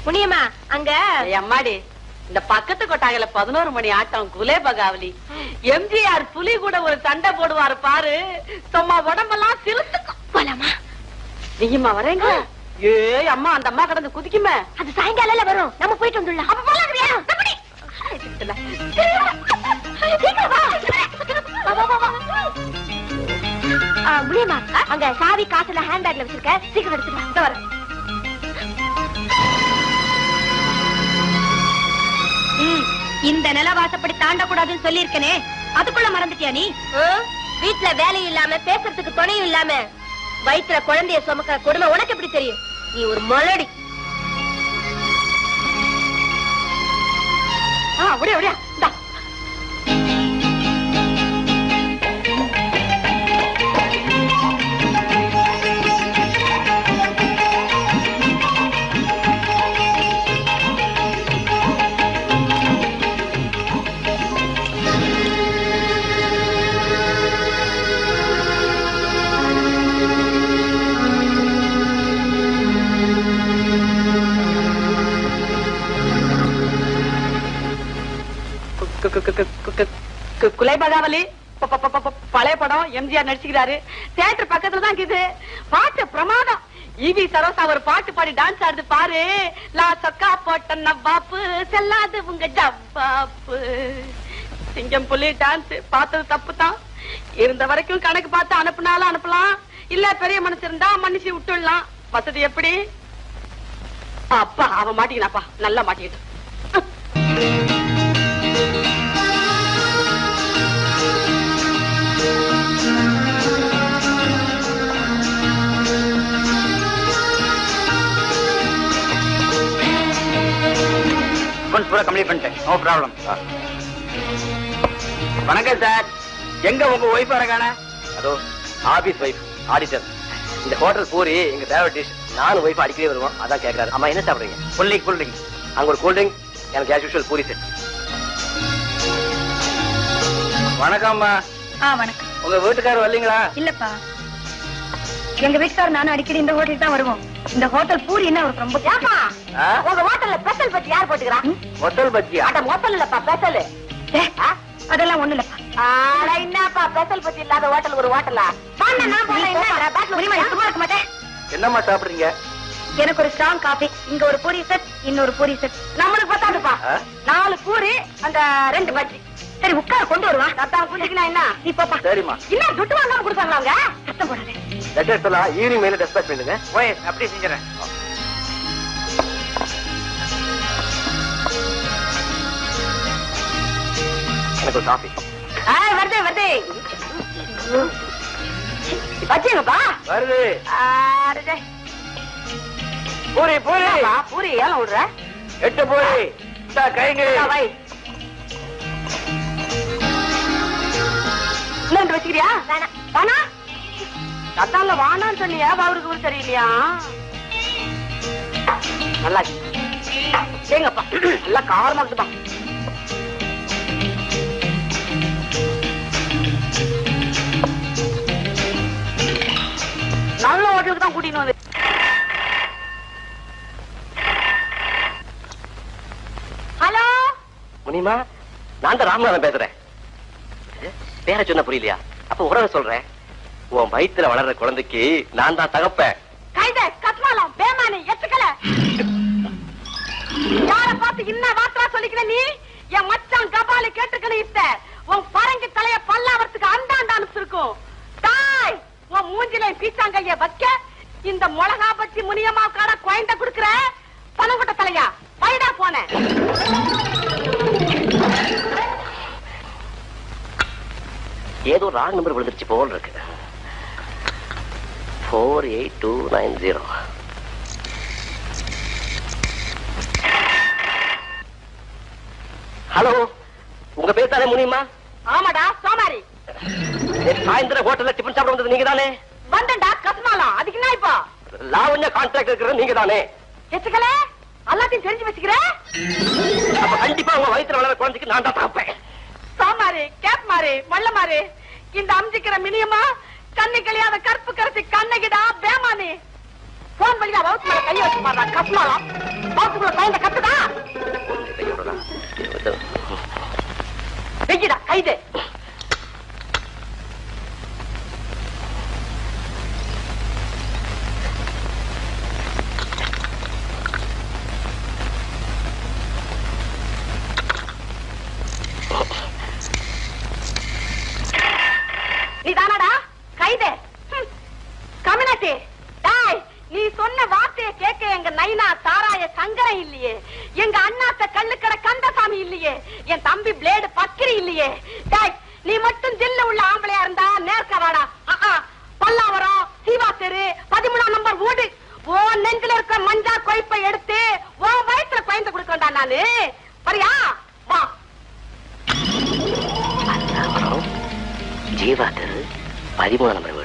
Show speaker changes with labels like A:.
A: முனியம்மா அங்க
B: அம்மாடி இந்த பக்கத்து கொட்டாயில 11 மணி ஆட்டம் குலே பகாவலி. எம்ஜிஆர் புலி கூட ஒரு சண்டை போடுவாரு பாரு, சும்மா உடம்பெல்லாம் சிலுத்துக்கும்.
A: போலாமா?
B: நீயுமா வரேங்க? ஏ அம்மா, அந்த அம்மா கடந்து குதிக்குமே.
A: அது சாயங்காலம் வரும், நம்ம போயிட்டு வந்துடலாம். அப்ப போலாங்கறியா? முனியம்மா அங்க சாவி காசுல ஹேண்ட் பேக்ல வச்சிருக்க, சீக்கிரம் எடுத்துக்கலாம். வர இந்த நிலவாசப்படி தாண்டக்கூடாதுன்னு சொல்லி இருக்கனே, அதுக்குள்ள மறந்துட்டியா நீ? வீட்டுல வேலையும் இல்லாம பேசுறதுக்கு துணையும் இல்லாம வயிற்றுல குழந்தைய சுமக்கிற கொடுமை உனக்கு எப்படி தெரியும்? நீ ஒரு மலடி.
B: அப்படியே அப்படியா குலை பகாவலி பழைய படம், எம்ஜிஆர் நடிச்சுக்கிறாரு. தியேட்டர் பக்கத்துல தான் இருக்குது. பாட்டு பிரமாதம். ஈவி சரோசா ஒரு பாட்டு பாடி டான்ஸ் ஆடுது பாரு. லா சொக்கா போட்ட நவ்வாப்பு செல்லாது உங்க ஜவ்வாப்பு. சிங்கம் புலி டான்ஸ் பார்த்தது தப்பு தான். இருந்த வரைக்கும் கணக்கு பார்த்து அனுப்புனாலும் அனுப்பலாம், இல்ல பெரிய மனசு இருந்தா மன்னிச்சு விட்டுடலாம். வசதி எப்படி? அப்பா அவன் மாட்டிக்கலாப்பா, நல்லா மாட்டிக்கிட்டு.
C: பூரா கம்ப்ளீட் பண்ணிட்டேன். No problem. வணக்கம் சார். எங்க உங்க ஒய்ஃப் வரகான? அதோ ஆபீஸ் ஒய்ஃப் ஆடிட்டர். இந்த ஹோட்டல் பூரி எங்க ஃபேவரட் டிஷ். நானும் ஒய்ஃப் அடிக்கடி வருவோம், அதான் கேட்கறாரு. அம்மா என்ன சாப்பிடுறீங்க? Cool drink. அங்க ஒரு கூல் ட்ரிங்க், எனக்கு ஆஸ் யூஷுவல் பூரி செட். வணக்கம்மா.
A: வணக்கம்.
C: உங்க வீட்டுக்காரர் வரலீங்களா?
A: இல்லப்பா, எங்க வீட்டுக்காரர் நானும் அடிக்கடி இந்த ஹோட்டலுக்கு தான் வருவோம். இந்த ஹோட்டல் பூரி என்ன அவருக்கு ரொம்ப.
B: உங்க ஹோட்டல்ல ஸ்பெஷல் பத்தி யார் போட்டுக்கிறா?
C: ஹோட்டல் பத்தியா?
B: அட ஹோட்டல் இல்லப்பா, ஸ்பெஷல்.
A: அதெல்லாம் ஒண்ணு இல்லப்பா.
B: ஆட என்னப்பா ஸ்பெஷல் பத்தி இல்லாத ஹோட்டல் ஒரு ஹோட்டலா? நான் போல என்ன பேட்ல
A: சும்மா இருக்க மாட்டேன்.
C: என்னம்மா சாப்பிடுறீங்க?
A: எனக்கு ஒரு ஸ்ட்ராங் காபி, இங்க ஒரு பூரி செட், இன்னொரு பூரி செட்.
B: நம்மளுக்கு பத்தாதுப்பா. 4 பூரி, அந்த 2 பஜ்ஜி.
A: சரி உட்கார கொண்டு வருவான்.
B: சத்தம் குடிக்கணும் என்ன?
A: நீ போப்பா.
C: சரிம்மா.
B: இன்னும் துட்டு வாங்காம கொடுத்தாங்களா அவங்க?
A: சத்தம் போடாதே.
C: லெட்டர்ஸ் எல்லாம் ஈவினிங் மேல டிஸ்பேட்ச் பண்ணுங்க. ஓய், அப்படியே செஞ்சறேன். எனக்கு ஒரு காபி.
B: வருது. வச்சுங்கப்பா.
C: வருது.
B: ஆடே.
C: பூரி
B: பூரி ஏன் விடுற?
C: 8 பூரி. கைங்க.
B: வை. இன்னொன்று வச்சுக்கிறியா? வேணா. அதான்ல வானான்னு சொன்னியா, அவருக்கு ஒரு சரியில்லையா? நல்லா ஏங்கப்பா, நல்லா காரமா இருக்குப்பா. நல்ல ஹோட்டலுக்கு தான் கூட்டிட்டு வந்து. ஹலோ
C: முனிமா, நான் தான் ராமநாதன் பேசுறேன். பேர சொன்ன புரியலையா? அப்ப உறவை சொல்றேன். உன் வயித்துல வளர்ற குழந்தைக்கு நான் தான் தகப்பேன்.
B: கைத கத்மாலம் பேமானி எத்துக்கல. யார பார்த்து இன்ன வார்த்தை சொல்லிக்கிற நீ? என் மச்சான் கபாலி கேட்டுக்கணும். இத்த உன் பரங்கி தலைய பல்லாவரத்துக்கு அந்தாண்ட அனுப்பிச்சிருக்கும். தாய் உன் மூஞ்சில பீச்சாங்கைய வைக்க இந்த மிளகா பச்சி முனியம்மா காட குழந்தை குடுக்குற பனங்குட்ட தலையா பைடா போன.
C: ஏதோ ராங் நம்பர் விழுந்துருச்சு போல் இருக்கு. 48290. ஹலோ, உங்க பேர் தானே முனியம்மா?
B: ஆமாடா சோமாரி.
C: சாயந்தரம் ஹோட்டல்ல டிஃபன் சாப்பிட வந்தது நீங்க தானே?
B: வந்தண்டா கத்மாலம். அதுக்கு என்ன இப்போ?
C: லாவண்யா கான்ட்ராக்ட் இருக்கிறது நீங்க தானே?
B: எத்துக்கல எல்லாத்தையும் தெரிஞ்சு வச்சுக்கிற.
C: அப்ப கண்டிப்பா உங்க வயித்துல வளர குழந்தைக்கு நான் தான் தகப்பேன்.
B: சோமாரி, கேப் மாறி, மல்ல மாறி, இந்த அம்ஜிக்கிற மினியமா கண்ணு கழியாத கற்பு கரைச்சி கண்ணகிடா பேமானி. போன் வழியா வகுத்து மேல கைய வச்சு பாடுறா கப்புனாலும் வகுத்துக்குள்ள குழந்தை கத்துதா வெய்யடா கைது நீ தானடா கைது கம்யூனிட்டி நீ சொன்ன வார்த்தையை கேட்க எங்க நைனா சாராய சங்கரம் இல்லையே, எங்க அண்ணாத்த கள்ளுக்கடை கந்தசாமி இல்லையே, என் தம்பி பிளேடு பக்கிரி இல்லையே. நீ மட்டும் ஜில்ல உள்ள ஆம்பளையா இருந்தா நேர்க்க வாடா. பல்லாவரம் சீவா தெரு 13ஆம் நம்பர் வீடு. ஓ நெஞ்சில இருக்கிற மஞ்சா கொய்ப்பை எடுத்து ஓ வயிற்றுல பயந்து கொடுக்கண்டா நானு. சரியா வா.
C: ஜீவா தெரு 13ஆம் நம்பர்